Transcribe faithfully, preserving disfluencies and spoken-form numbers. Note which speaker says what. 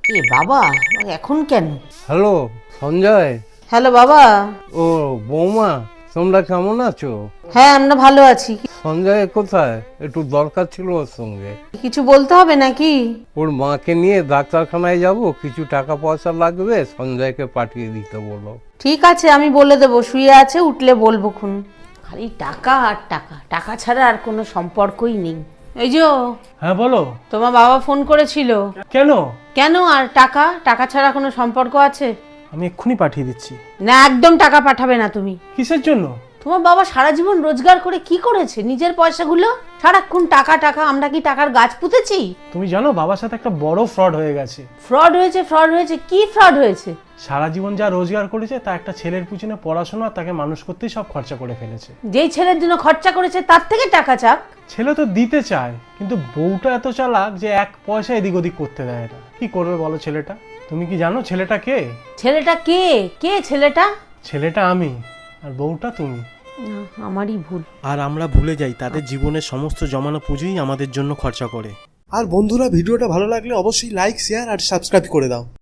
Speaker 1: এ বাবা, এখন কেন?
Speaker 2: হ্যালো সঞ্জয়।
Speaker 1: হ্যালো বাবা।
Speaker 2: ও বৌমা, তোমরা কেমন আছো?
Speaker 1: হ্যাঁ, আমরা ভালো আছি।
Speaker 2: সঞ্জয় কোথায়? একটু দরকার ছিল ওর সঙ্গে।
Speaker 1: কিছু বলতে হবে নাকি?
Speaker 2: ওর মাকে নিয়ে ডাক্তারখানায় যাব, কিছু টাকা পয়সা লাগবে, সঞ্জয়কে পাঠিয়ে দিতে বলো।
Speaker 1: ঠিক আছে, আমি বলে দেবো, শুয়ে আছে, উঠলে বলবো খুন। খালি টাকা আর টাকা, টাকা ছাড়া আর কোনো সম্পর্কই নেই। এই যে,
Speaker 3: হ্যাঁ বলো।
Speaker 1: তোমার বাবা ফোন করেছিল।
Speaker 3: কেন?
Speaker 1: কেন আর টাকা? টাকা ছাড়া কোনো সম্পর্ক আছে?
Speaker 3: আমি এক্ষুনি পাঠিয়ে দিচ্ছি।
Speaker 1: না, একদম টাকা পাঠাবে না তুমি।
Speaker 3: কিসের জন্য?
Speaker 1: তোমার বাবা সারা জীবন রোজগার করে কি করেছে? নিজের পয়সাগুলো সারাক্ষণ টাকা টাকা। আমরা কি টাকার গাছ পুঁতেছি?
Speaker 3: তুমি জানো বাবার সাথে একটা বড় ফ্রড হয়ে গেছে।
Speaker 1: ফ্রড হয়েছে? ফ্রড হয়েছে? কি ফ্রড হয়েছে?
Speaker 3: সারা জীবন যা রোজগার করেছে তা একটা ছেলের পিছনে পড়াশোনা তাকে মানুষ করতেই সব খরচা করে ফেলেছে।
Speaker 1: যেই ছেলের জন্য খরচা করেছে তার থেকে টাকা চাক।
Speaker 3: ছেলে তো দিতে চায়, কিন্তু বউটা এত চালাক যে এক পয়সা এদিক ওদিক করতে দেয় না। কি করবে বলো ছেলেটা? তুমি কি জানো ছেলেটা কে?
Speaker 1: ছেলেটা কে? কে ছেলেটা?
Speaker 3: ছেলেটা আমি, আর বউটা তুমি।
Speaker 1: না, আমারই ভুল।
Speaker 4: আর আমরা ভুলে যাই তাদের জীবনের সমস্ত জমানো পুঁজিই আমাদের জন্য খরচা করে।
Speaker 5: আর বন্ধুরা, ভিডিওটা ভালো লাগলে অবশ্যই লাইক, শেয়ার আর সাবস্ক্রাইব করে দাও।